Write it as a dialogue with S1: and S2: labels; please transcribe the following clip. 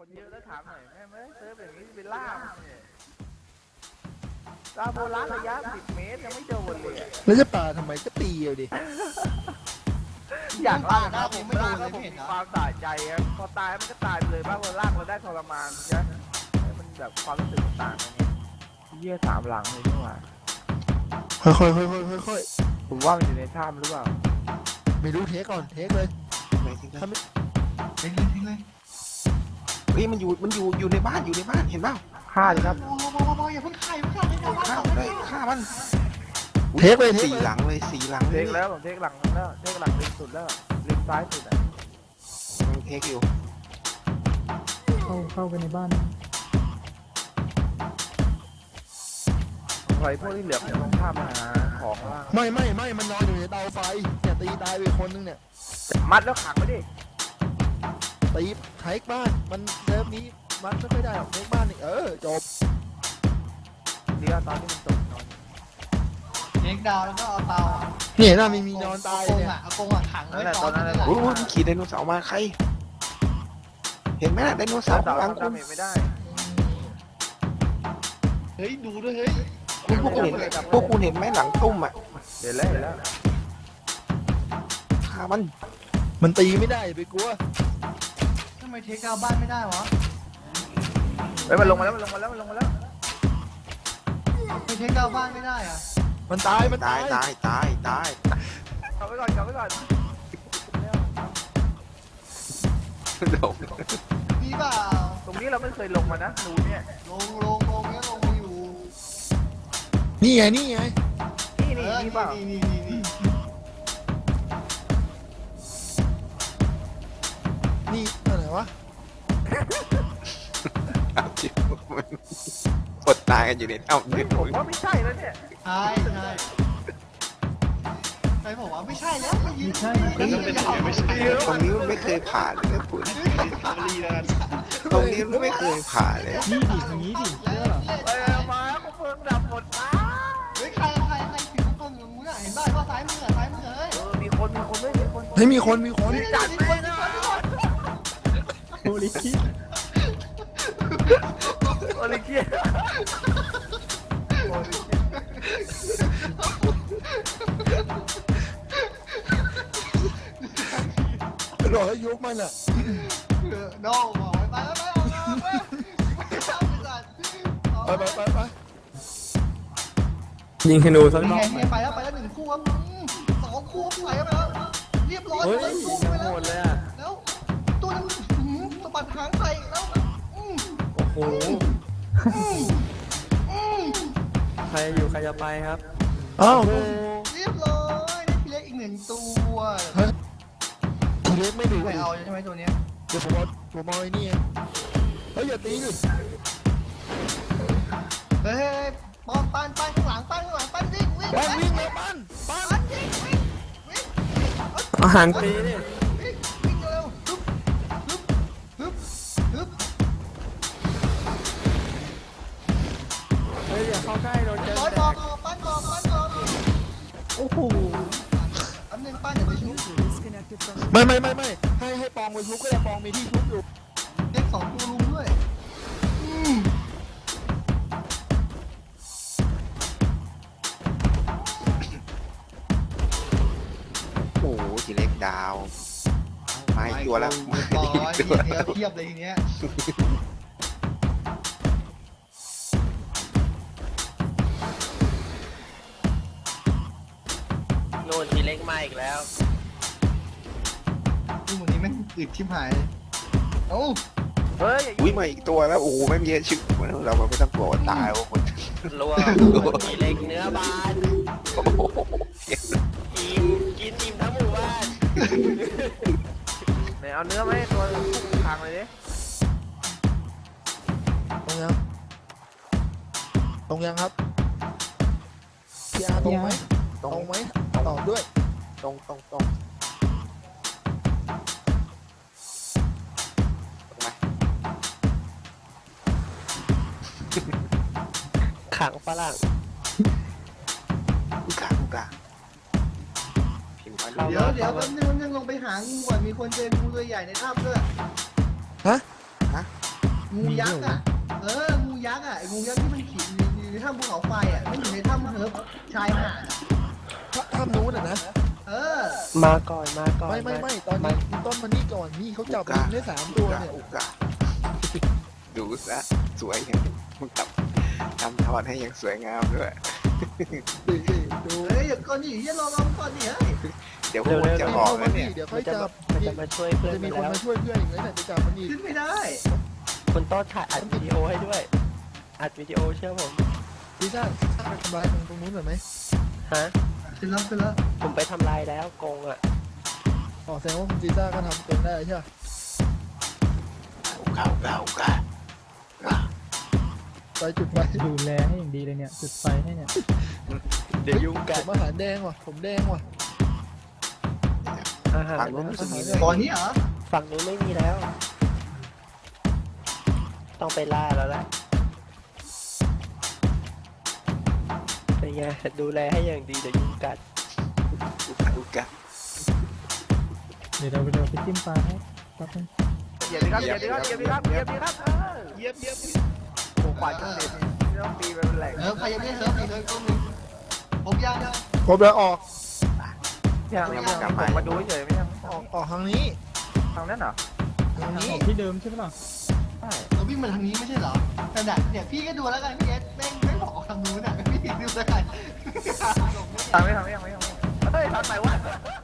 S1: คนเยอะแล้วถามหน่อยแม่ไม่เซิร์ฟอย่างนี้เป็นล่าเนี่ยลาโบราณระยะ10 เมตรยังไม่โดนเลยอะ
S2: แล้วจะป่าทำไมก็ตีเอาดิ
S1: อยากล่านะผมล่าแล้วผมมีความสะใจครับพอตายมันก็ตายไปเลยบ้างเราล่างเราได้ทรมานใช่ไหมมันแบบความรู้สึกมันต่างกันไงเยี่ย3 หลังเลยนี่หว่า
S2: ค่อยๆ
S1: ผมว่ามันอยู่ในถ้ำหรือเปล่า
S2: ไม่รู้เทคก่อนเทคเลย
S3: ไหนทิ้งเลย
S2: ถ้าไม่
S3: ทิ้งเลยทิ้งเลยเฮ้ยมันอยู่ในบ้านเห็นเปล่า
S1: ฆ่าดิครับ
S4: พออย่าเพิ่งฆ่าอย่าเพิ่งฆ่าอย่าเพิ่งฆ่า
S3: ฆ่าเลยฆ่ามัน
S2: เทคเลยเทค
S3: สี่
S2: เลย
S3: หลังเลยสี่หลัง
S1: เทคแล้วผมเทคหลังแล้วเทคหลังริมสุดแล้วริมซ้ายสุดอ่ะ
S3: มันเทคอยู่
S4: เข้าไปในบ้าน
S1: ใครพวกที่เหลือมันต้องข้ามมาหาของล่าง
S2: ไม่มันนอนอยู่ในเตาไฟเนี่ยตีตายไปคนนึงเนี่ย
S1: มัดแล้วขังไว้ดิ
S2: ตีเทคบ้านมันเซิร์ฟนี้มันไม่ค่อยได้หรอกเทคบ้านนี่จบ
S1: นี่ก็ตอนที่มันตกนอน
S4: เล็กดาวแล้วก็เอาเตา
S2: เนี่ยน่ามีนอนตายเนี่ย
S4: เอากงอ่ะขังไว้ก่อน
S3: โอ้ยมันขี่ไดโนเสาร์มาใคร เห็นไหมน่ะไดโนเสา
S1: สาว
S3: ร์ข้างหลัง
S1: ทำดาเมจไม่ได้
S4: เฮ้ยดูด้วยเฮ้ย
S3: พวกคุณเห็นไหมหลังตุ้มอ่ะ
S1: เห็นแล้ว
S3: ฆ่ามัน
S2: มันตีไม่ได้อย่าไปกลัว
S4: ทำไมเทคดาวบ้านไม่ได้วะ
S1: เฮ้ยมันลงมาแล้ว
S4: ทำไมเทคดาวบ้านไม่ได้อ่ะ
S2: มันตาย
S3: ตาย
S1: กลับไว้ก่อน
S3: โดน
S4: มีเปล่า
S1: ตรงนี้เราไม่เคยลงมานะรูเนี่ย
S4: ลงเนี้ยลงมาอยู่
S2: นี่ไง
S1: นี่เปล่า
S4: นี่
S2: นี่อะไรวะ
S3: เอาจริงมันอดตายกันอยู่ในถ้ำ
S1: เฮ้
S3: เนี่ย ย
S1: ผมว่าไม่ใช่แล้วเนี่ย
S4: ใช่ใครบอกว่าไม่ใช่แล้วไม่ยืนใช่
S3: ตรงนี้มันไม่เคยผ่านเลยนะคุณตรงนี้มันไม่เคยผ่านเลย
S4: นี่ดิอย่างนี้ดิเชื่อ
S1: เอ้ยมากูเพิ่งดับหมดมา
S4: เฮ้ยใครผิวคนอย่างมึงอ่ะเห็นบ้านว่าซ้ายมือเฮ้ย
S1: มีคนไม่มีคน
S2: เฮ้ยมีคน
S1: จัดไปนะโอลิเกีย
S2: รอให้ยุบมันอ่ะ
S4: โน่บอกไปแล้วไป
S2: ไป
S5: ยิงธนูสัก
S4: แห
S5: รอบ
S4: ไปแล้ว1 คู่ครับ2 คู่ไปแล้วเรียบร้อย
S5: เฮ้ย
S4: เลยคู่
S5: ยัง
S4: ไป
S5: โห
S4: แล้ว
S5: ดเลยอ่ะ
S4: แล้วตัวนั้นสะบัดหางใส่แล้ว
S5: โอ้โห ใครอยู่ใครจะไปครับ
S2: อ้าว
S4: เรียบร้อยได้พี่เล็กอีก1 ตัว
S2: ทีเล็กไม่ดู
S4: ไม่เอาใช่ไหมตัวนี้
S2: เดี๋ยวผมเอาไอ้นี่เฮ้ยอย่าตีดิ
S4: เฮ้ยป้อมปั้นข้างหลังปั้นวิ่ง
S2: บ้านวิ่งเลยบ้าน
S4: วิ่ง
S5: อาหารฟรีดิ
S4: วิ่งเร็วฮึบ
S5: เฮ้ยอย่าเข้าใกล้โดนเจอ
S4: ร้อย
S5: แต
S4: บอก
S5: ก
S4: ปั้นโอ้โหอันหนึ่งปั้นอย่าไปชุบ
S2: ไม่ให้ปองไปชุบก็ได้ปองมีที่ชุบอยู่
S4: เล็ก2 ตัวลุมด้วย
S3: โอ้โหทีเล็กดาวมาอีกตัวแล้ว
S4: ร้อยเทียบเลยทีเนี้ย
S5: โน่นทีเล็กมาอีกแล้ว
S4: ดูวันนี้แม่งอึดชิบหายเลยเอ้า
S1: เฮ้ย
S3: อุ้ยมาอีกตัวแล้วโอ้โหไม่มีชื่อเราไม่ต้องกลัวว่าตายว่าคน
S5: รัวทีเล็กเนื้อบาน
S3: โอ้โห
S5: อิ่มกินอิ่มทั้งหมู่บ้าน
S1: ไหนเอาเนื้อมาให้ตัวทางเลยดิ
S2: ตรงยังครับพี่อาตรงไหมตรงไหมตอบด้วย
S3: ตรง
S5: ขังฝรั่ง
S3: กลางพิมพ์มา
S4: เดี๋ยวแป๊บนึงลงไปหางูก่อนมีคนเจองูตัวใหญ่ในถ้ำด้วย
S2: ฮะ
S4: งูยักษ์อ่ะงูยักษ์อ่ะไอ้งูยักษ์ที่มันขี่อยู่ในถ้ำภูเขาไฟอ่ะไม่อยู่ในถ้ำเฮิร์บชายหาดอะ
S2: ถ้ำนู้นอ่ะนะ
S5: มาก่อนมาก่อน
S2: ไม่ตอนนี้คุณต้นมานี่ก่อนนี่เขาจับลิงได้3 ตัวเนี่ย
S3: อุกะดูซะสวยอย่างมึงทำทอดให้อย่างสวยงามด้วย
S2: ดู
S4: เฮ้ยอย่าก่อนดิอย่ารอก่อนดิเฮ้ย
S3: เดี๋ยวพวกมึงจะบอกแล้วเนี่ย
S2: เดี๋ยวค่
S5: มั
S2: อย
S5: นจะ
S2: จับ
S5: มันจะมาช่วยเพื่อน
S2: จะมี
S5: ไป
S2: คน
S5: แล้ว
S2: มาช่วยเพื่อนอีกแล้วเนี่ยจะจับมันอีก
S4: ขึ้นไม่ได้
S5: คุณต้นถ่ายอัดวิดีโอให้ด้วย อัดวิดีโอเชื่อผม
S2: พี่ซ่าไปทำลายตรงนู้นหน่อยไหม
S5: ฮะ
S4: ขึ้นแล้ว
S5: ผมไปทำลายแล้วกงอ่ะ
S2: อ๋อแสดงว่าคุณซีซ่าก็ทำเองได้ใช่ไหม
S3: อุกะ
S2: ไปจุดไป
S6: ดูแลให้อย่างดีเลยเนี่ยจุดไฟให้เนี่ย
S5: เดี๋ยวยุ่ง
S2: ผ
S5: กัน
S2: มอาหารแดงว่ะผมแดงว่ะ
S5: อาหาร
S3: ฝั่งนู้นรู้สึกมี
S4: ก่อนนี้เหรอ
S5: ฝั่งนู้นไม่มีแล้ว ต้องไปล่าแล้วแหละเป็นไงดูแลให้อย่างดีเดี๋ยวยุ่งกัน
S3: อุกะ
S6: เดี๋ยวเราไปจิ้มปลาให้แป๊บนึง
S1: เหยียบดีครับเหยียบดีครับเหยียบดีครับเหยียบดีครับเหยียบโอ้ขวานจังเด็ดนี่ต้องตีไปเป็นแหล่ง
S4: ใครยังไม่เฮิร์บอีกเลยต้นนึงผมยัง
S2: ครบแล้วออก
S1: ยังผมมาดูเฉยไม่ยัง
S2: ออกทางนี้
S1: ทางนั้นเหรอ
S2: ทางนี้
S6: ของที่เดิมใช่ไหมล่ะ
S1: ใช่
S4: เราวิ่งมาทางนี้ไม่ใช่เหรอแต่เนี่ยพี่ก็ดูแล้วกันพี่เอสแม่งไม่บอกทางนู้นอ่ะพี่ดูแล้วกัน
S1: ทางไม่เฮ้ยทางไหนวะ